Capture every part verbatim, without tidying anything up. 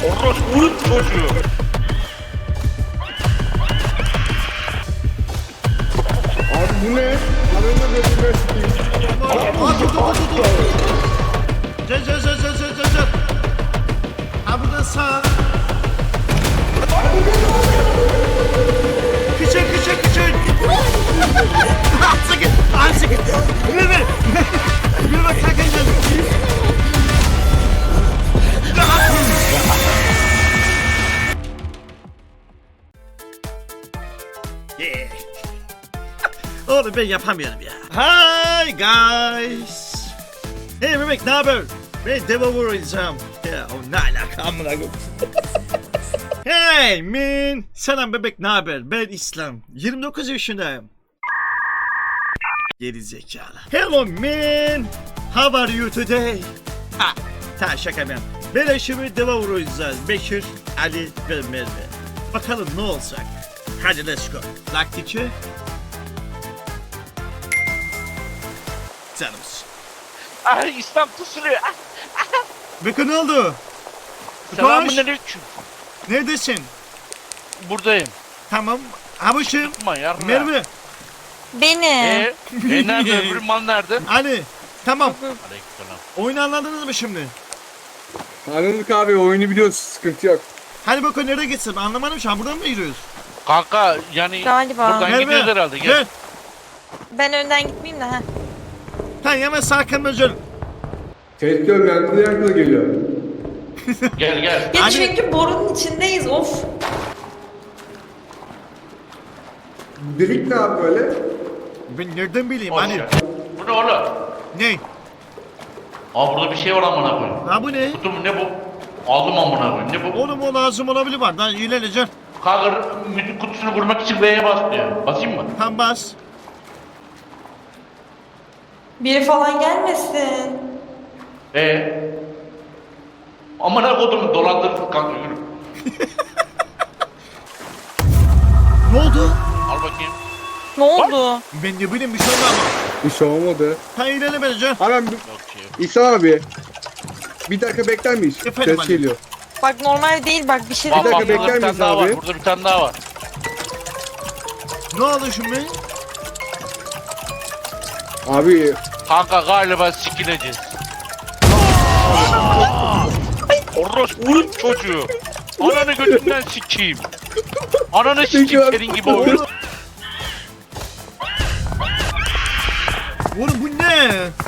Orospu'nun çocuğu. Abi bu ne? Ananı gözüme sikeyim. Aa dur dur dur dur. Gel gel gel gel gel gel. Ha burada sağ. Küçük küçük küçük. Sıkın. Ay sıkın. Yürü be. Yürü bak kalkın gel. Yeah. Oğlum ben yapamıyorum ya. Hi guys. Hey bebek ne haber? Ben deva vuracağım. Ya o ne alaka amına koyayım. Hey man. Selam bebek ne haber? Ben İslam. yirmi dokuz yaşındayım. Geri zekalı. Hello man. How are you today? Ha. Ta şaka ben. Ben eşimi deva vuracağız. Bekir, Ali ve Merve. Bakalım ne olacak. Hadi let's go. Like teacher. Canımız. Ay İslam tusuluyor. Beko ne oldu? Selamünaleyküm. Neredesin? Buradayım. Tamam. Abuşum. Tutma yarına. Merve. Beni. Eee? E nerede? Öbür mal nerede? Ali. Tamam. Aleykümselam. Oyunu anladınız mı şimdi? Anladık abi, oyunu biliyoruz, sıkıntı yok. Hadi Beko nereye gitsin? Anlamadım şu an. Buradan mı yürüyoruz? Kanka yani Galiba. buradan gidiyoruz herhalde. Gel. Gel. Ben önden gitmeyeyim de ha. Tamam hemen sağ kanlıcın. Tehdit yok, yankılı yankılı geliyor. Gel gel. Ya Hani- çünkü borunun içindeyiz of. Delik ne abi böyle? Ben nereden bileyim? Hoş Hani ya. Bu ne oğlum? ne? Aa burada bir şey var amına koyayım. Ha bu ne? Kutu mu ne bu? Aldım amına koyayım. Ne bu? Oğlum o lazım olabilir var. Daha iyileneceksin. Kanka müzik kutusunu vurmak için V'ye bas diyor. Basayım mı? Tam bas. Biri falan gelmesin. Ee. Amına koydum dolandırdık kanka yürü. Ne oldu? Al bakayım. Ne oldu? Ben ne bileyim bir şey oldu ama. Bir şey olmadı. Ha iyilenemeyeceksin. Hemen bir... Yok ki. İhsan abi. Bir dakika bekler miyiz? Efendim Ses abi. geliyor. Bak normal değil bak bir şey Bak Bir bak dakika burada bekler bir tane miyiz daha abi? var. Burada bir tane daha var. Ne oldu şimdi? Abi Kanka galiba sikileceğiz. Orospu'nun çocuğu. Ananı götünden sikeyim. Ananı sikeyim senin gibi oyun. Oğlum bu ne?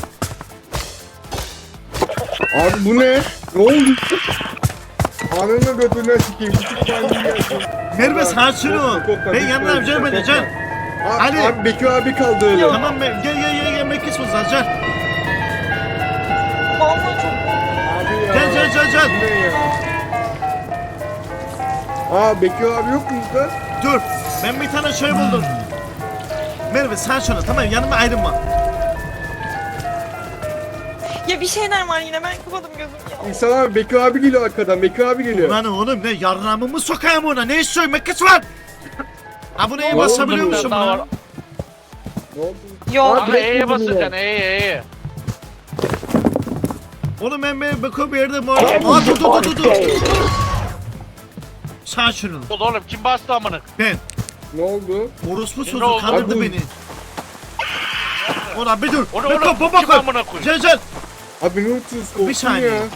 Abi bu ne? Ne oldu? Ananı götünden sikeyim. Küçük maymun gelsin. Merve sakin ol. Korkma, Ben korkma, yanına yapacağım korkma. edeceğim. Abi, Ali. abi Bekir abi kaldı öyle. Tamam ben gel gel gel gel Mekis mi zaten? Vallahi çok Abi ya. Gel gel gel Bu gel. ne ya? Aa Bekir abi yok mu burada? Dur. Ben bir tane şey buldum. Merve sen şunu tamam yanıma ayrılma. Ya bir şeyler var yine ben kapadım gözüm ya. İhsan abi Bekir abi geliyor arkadan. Bekir abi geliyor. Lan oğlum ne yarramımı sokayım ona ne istiyorsun Mekis var? Aboneye basabiliyor oldu? musun Daha buna? var. Ne oldu? Yok. Kanka E'ye basacaksın E'ye E'ye. Oğlum ben ben bakıyorum bir yerde muhabbet. Aa dur dur dur dur. Sen şunu. Oğlum kim bastı amına? Ben. Ne oldu? Orospu Ne sözü oldu? kandırdı Abi bu- beni. Ulan bir dur. Onu- Beko onu baba kim koy. amına koyayım? Gel gel. Abi ne unutuyorsun? Korktum saniye. ya.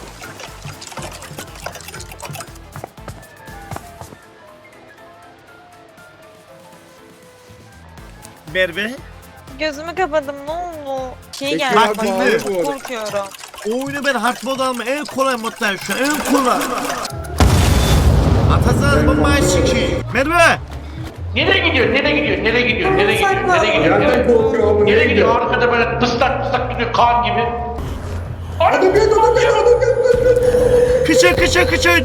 Merve. Gözümü kapadım ne oldu? Şey Peki geldi abi, bana dinle. çok korkuyorum. O oyunu ben hard mode alma en kolay moddayım şu an en kolay. Atacağız bombayı sikeyim. Merve. Nereye gidiyor? Nereye gidiyor? Nereye gidiyor? Nereye gidiyor? Nereye gidiyor? Nereden Nereye, korkuyor abi? nereye gidiyor? Arkada böyle tıslak tıslak gidiyor kan gibi. Adam geldi, adam geldi, adam geldi. Kıçın kıçın kıçın.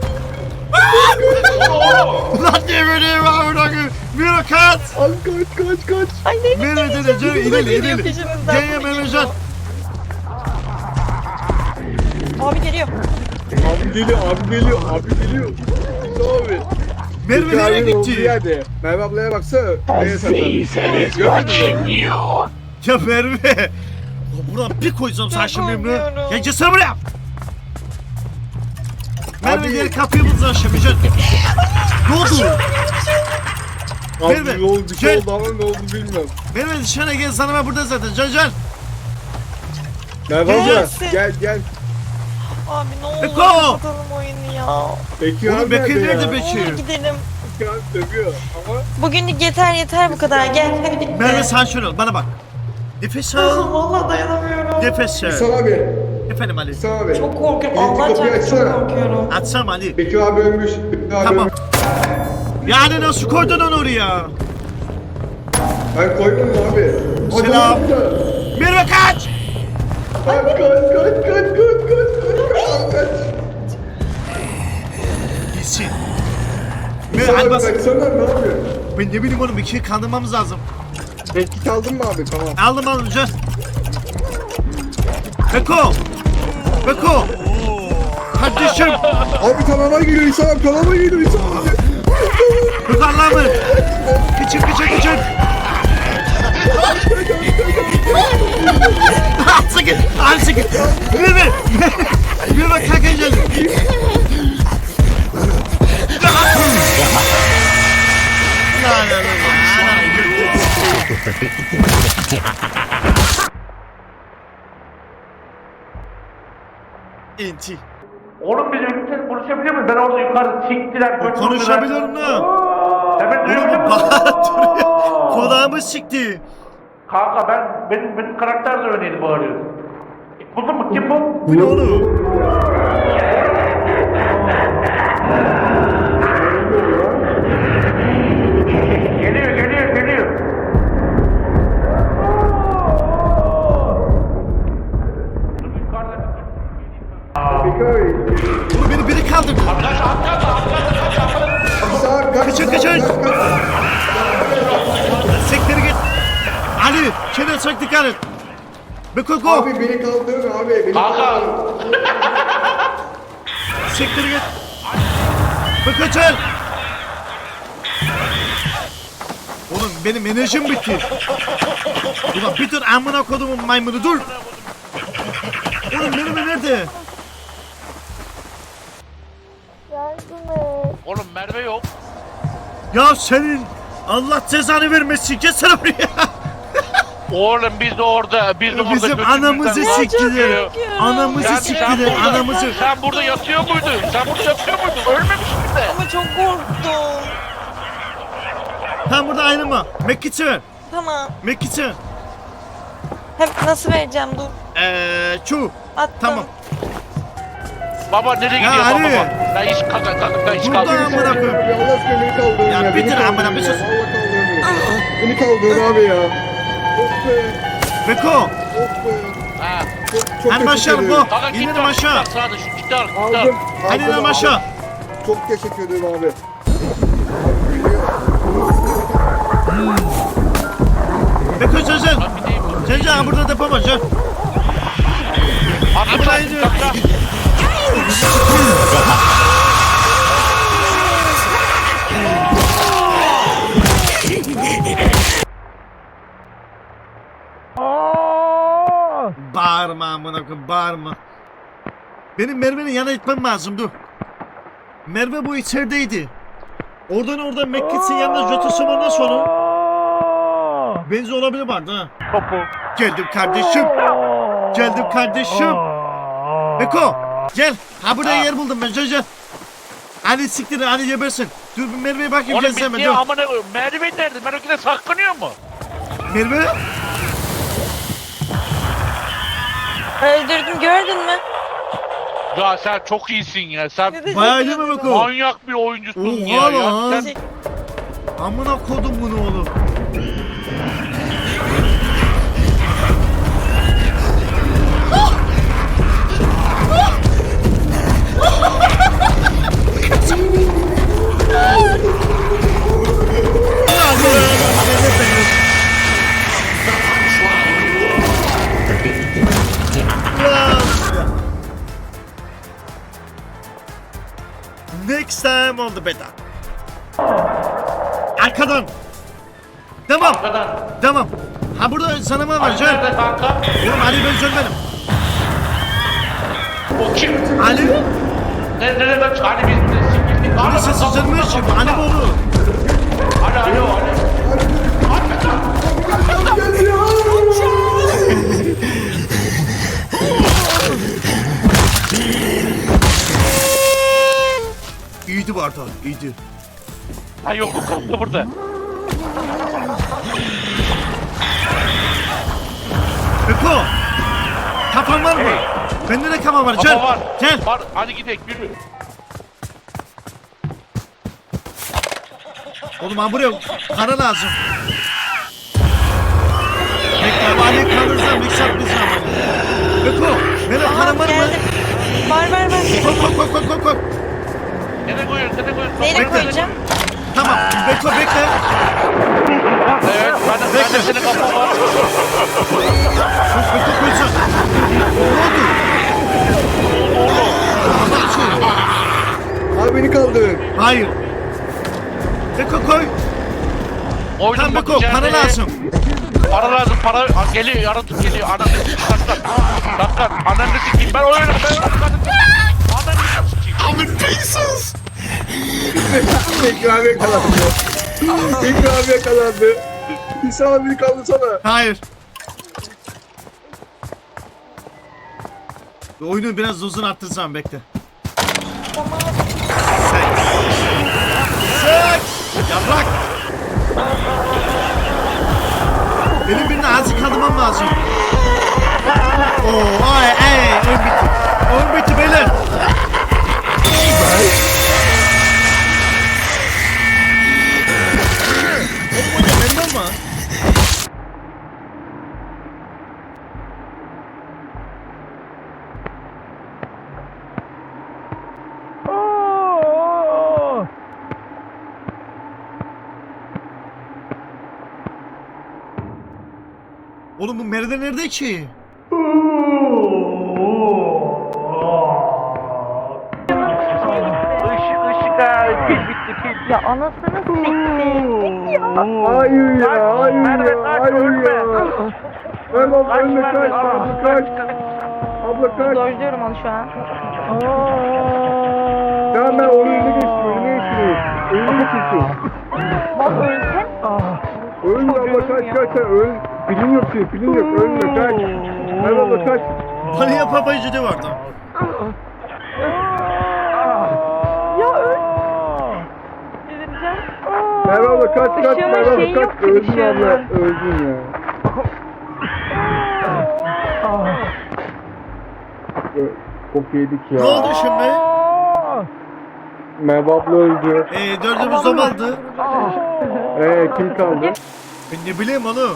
Oğlum. Lan ne böyle var bırakın. Bir kaç. Abi kaç kaç kaç. Ay ne Merve dede canım ileri ileri. Gel gel Mervecan. Abi geliyor. Abi geliyor, abi geliyor, abi geliyor. Abi. Merve Bekir nereye abinin olduğu gitti? yerde. Merve ablaya baksana. Neye saklandı? Ya Merve. Buradan bir koysam sen Çok şimdi Merve. korkuyorum. Ya gelsene buraya. Merve Abi- diğer kapıyı bulacağız aşağı Mücahit. Ne oldu? Abi Merve, ne oldu bir şey gel. oldu ama ne oldu bilmiyorum. Merve dışarı gel sana ben burada zaten. Can can. Merve abla Gelsin. gel gel. Abi ne olur Beko! kapatalım oyunu ya. Bekir Oğlum abi Bekir nerede nerede ya? Bekir? Ne olur gidelim. Bekir abi dövüyor ama Bugünlük yeter yeter bu kadar. Gel hadi bitti. Merve sakin ol bana bak. Nefes al. Ah, Vallahi dayanamıyorum. Nefes al. İhsan abi. Efendim Ali. İhsan abi. Çok korkuyorum. Birinci Allah kapıyı çarpsın çok açsana. korkuyorum. Atsam Ali. Bekir abi ölmüş. Bekir abi Tamam. ölmüş. Yani nasıl koydun onu oraya? Ben koymadım abi. O Selam. zaman da- Merve kaç. Kaç kaç kaç kaç kaç kaç kaç kaç. Gitsin. Merve İhsan hadi abi bas. baksana ne yapıyorsun? Ben ne bileyim oğlum ikiyi kandırmamız lazım. Bekir çaldın mı abi tamam. Aldım aldım can. Beko. Beko. Kardeşim. Abi kanala geliyor İhsan abi kanala geliyor İhsan abi. Yukarılar mı? Küçük küçük küçük. Sakın. Abi sakın. Merve. Merve kalkacağız. La la la la. Enti. Oğlum biz ünite konuşabiliyor muyuz? Ben orada yukarı siktiler. götürdüler. Konuşabilir mi? Evet Oğlum duyabiliyor musun? bağırıyor. Kulağımı sikti. Kanka ben, benim, benim karakter de öyleydi bağırıyor. Buldun mu? Kim bu? Bu ne oğlum? Geliyor, geliyor, geliyor. Dur, yukarıda bir- Bekir abi. Oğlum beni biri kaldırdı. İhsan abi kaç Kaçın, kaç, kaçın. kaç, kaç. Siktir git. Ali, kendine çok dikkat et. Beko go. Abi beni kaldırın abi. Beni Kanka. kaldırın. Siktir git. Beko çel. Oğlum benim enerjim bitti. Ulan bir dur amına kodumun maymunu dur. Oğlum benim nerede? Yardım et. Oğlum Merve yok. Ya senin Allah cezanı vermesin. Gelsene buraya. Oğlum biz de orada, biz de orada Bizim götümüzden anamızı kan siktiler. çıkıyor. Anamızı Yani sen siktiler. burada- Anamızı. Sen burada yatıyor muydun? Sen burada yatıyor muydun? Ölmemişsin de. Ama çok korktum. Tam burada ayrılma. Mekkiçi ver. Tamam. Mekkiçi ver. Hep nasıl vereceğim dur. Eee çu. Attım. Tamam. Baba nereye Ya gidiyor Ali. baba? Ben hiç kalk kalk ben hiç Burada kalk. amına koyayım. Abi Allah aşkına beni kaldırın Ya ya. bitir beni amına kaldırın bir ya. sus. Vallahi kaldırın ya. Beni kaldırın abi ya. Of be. Beko. Of be. Ha. Çok, çok Hani teşekkür başlayalım ederim. bu. Kanka git İnelim lan, aşağı. git lan, Sağda şu gitar gitar. Aldım. Hani aldım inelim abi. aşağı. Çok teşekkür ederim abi. Beko sen sen. Lan bir deyim bu. Sen sen burada depo var sen. Atla Burada lan, iniyor. atla. Bağırma amına koyayım bağırma. Benim Merve'nin yanına gitmem lazım dur. Merve bu içerideydi. Oradan oradan Mekke'sin yanında Jotus'um ondan sonra. Benzi olabilir vardı ha. Topu. Geldim kardeşim. Geldim kardeşim. Beko gel. Ha burada yer buldum ben gel gel. Hadi siktir hadi gebersin. Dur bir Merve'ye bakayım Oğlum gelsin hemen bitti dur. amına koyayım. Merve nerede? Merve saklanıyor mu? Merve. Öldürdüm gördün mü? Ya sen çok iyisin ya. Sen Ne de- Bayağı iyi mi Beko? manyak bir oyuncusun Oha ya. ya. lan. Sen Amına kodum bunu oğlum. Next time on the beta. Arkadan. Devam. arkadan. Devam. Ha burada sana mı var Ali can? nerede kanka? Oğlum Ali ben söylemedim. O kim? Ali? Ne, nereye kaç? Hani biz de sikildik. Hani Burası sızdırmış. Hani bunu. Alo alo alo. İyiydi bu arada. İyiydi. Ha yok bu kalktı burada. Beko. Kafan var mı? Hey. Bende de kafa var. Gel. Kafa var. Gel. Var. Hadi gidelim yürü. Oğlum ha buraya kara lazım. Bekle bari kalırsa mikser bir zaman. Beko. Benim karam var mı? Geldim. Var var var. Kok kok kok kok kok kok. Nereye koyuyorsun? Nereye koyuyorsun? Neyle Bekle. koyacağım? Tamam. Beko bekle. Evet. Ben de, ben de senin kafa var. Beko koysun. Ne oldu? Abi beni kaldır. Hayır. Beko koy. Oyunun Tam Beko bakacağını- para lazım. Para lazım. Para Aa, geliyor. Yaratık geliyor. Ananı sikeyim. Dakika. Dakika. Ananı sikeyim. Ben oynarım. Ben oynarım. Ananı sikeyim. Tekrar yakalandı. Tekrar yakalandı. Bir sana beni kaldırsana. Hayır. Oyunu biraz uzun arttırsam bekle. Sek. Sek. Yaprak. Benim birine azıcık kaldırmam lazım. Oo, ay, ay, oyun bitti. Oyun bitti beyler. Oğlum o ne benim ama. Oğlum bu Merve nerede ki? Işık ışık ha. Pil bitti pil. Ya anasını sikti. Ya. Hayır ya, hayır Merve, ya, kaç, hayır ölme. ya. Merhaba, Kaç önüne Merve. kaç, abla kaç. Abla kaç. Dojluyorum onu şu an. Tamam ben onun önüne geçtim, önüne geçtim. Önüne geçtim. Bak ölsen. Ölme abla kaç, kaç sen öl. Pilin yok senin, pilin yok, ölme kaç. Merhaba abla kaç. Bana yapamacı de vardı. Ya öl. Delireceğim. Merhaba abla kaç, kaç, Işığımın Merhaba şeyi abla yok kaç. ki, Öldün ışığımın. abla, öldün ya. Ö- Kopya yedik ya. Ne oldu şimdi? Merhaba abla öldü. Ee, dördümüz de aldı. Eee kim kaldı? Ben ne bileyim oğlum.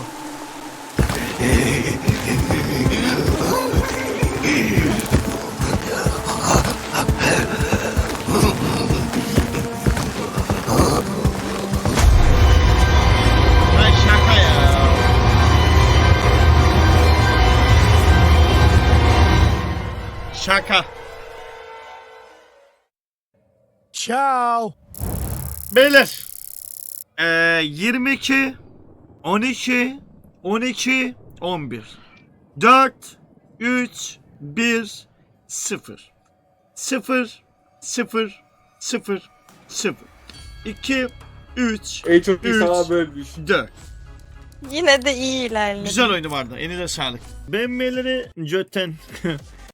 Lan şaka ya. Şaka. Ciao. Beyler. Ee, yirmi iki, on iki, on iki, on bir. dört, üç, bir, sıfır. sıfır, sıfır, sıfır, sıfır. iki, üç, En çok iyi üç, sana bölmüş. dört. Yine de iyi ilerledi. Güzel oyunu vardı. Eline sağlık. Beğenmeleri götten